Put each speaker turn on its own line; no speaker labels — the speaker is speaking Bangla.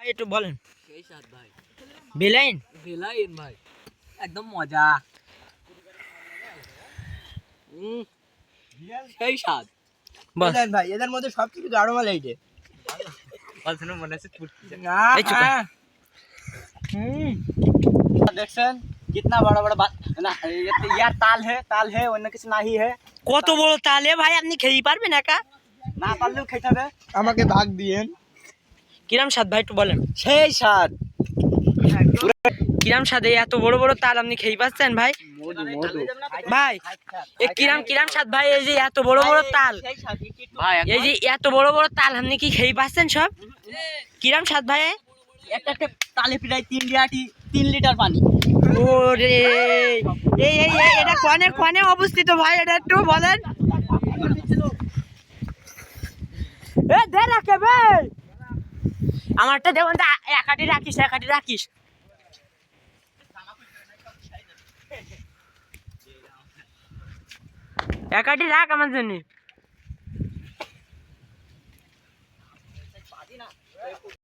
ভাই একটু বলেন।
সেই স্বাদ ভাই,
বেলাইন
বেলাইন ভাই, একদম মজা। সেই স্বাদ।
বল
বলেন ভাই, এদের মধ্যে সবথেকে গাঢ় মাল এইটে।
মনে আছে
এই চুপ কর।
দেখছেন कितना बड़ा बड़ा बात ना, यार ताल है অন্য কিছু নাহি है।
কত বড় তালে ভাই, আপনি খেয়ে পারবেন একা?
না পারলেও খেতে হবে, আমাকে ভাগ দিয়েন।
কিরাম স্বাদ ভাই একটু বলেন।
সেই স্বাদ।
কিরাম স্বাদ, এই এত বড় বড় তাল আপনি খেয়ে পাচ্ছেন ভাই?
মধু মধু
ভাই এ কিরাম স্বাদ ভাই, এই যে এত বড় বড় তাল,
ভাই,
এই যে এত বড় বড় তাল আপনি কি খেয়ে পাচ্ছেন সব? কিরাম স্বাদ ভাই?
একটা একটা তালে প্রায় 3 লিটার পানি।
ওরে এই এই এই, এটা কোনে কোনে অবস্থিত ভাই, এটা একটু বলেন। এ দে রাখে ভাই, আমারটা দেখুন তো, একাটি রাখিস একাটি রাখিস। একাটি রাখ আমার জন্য।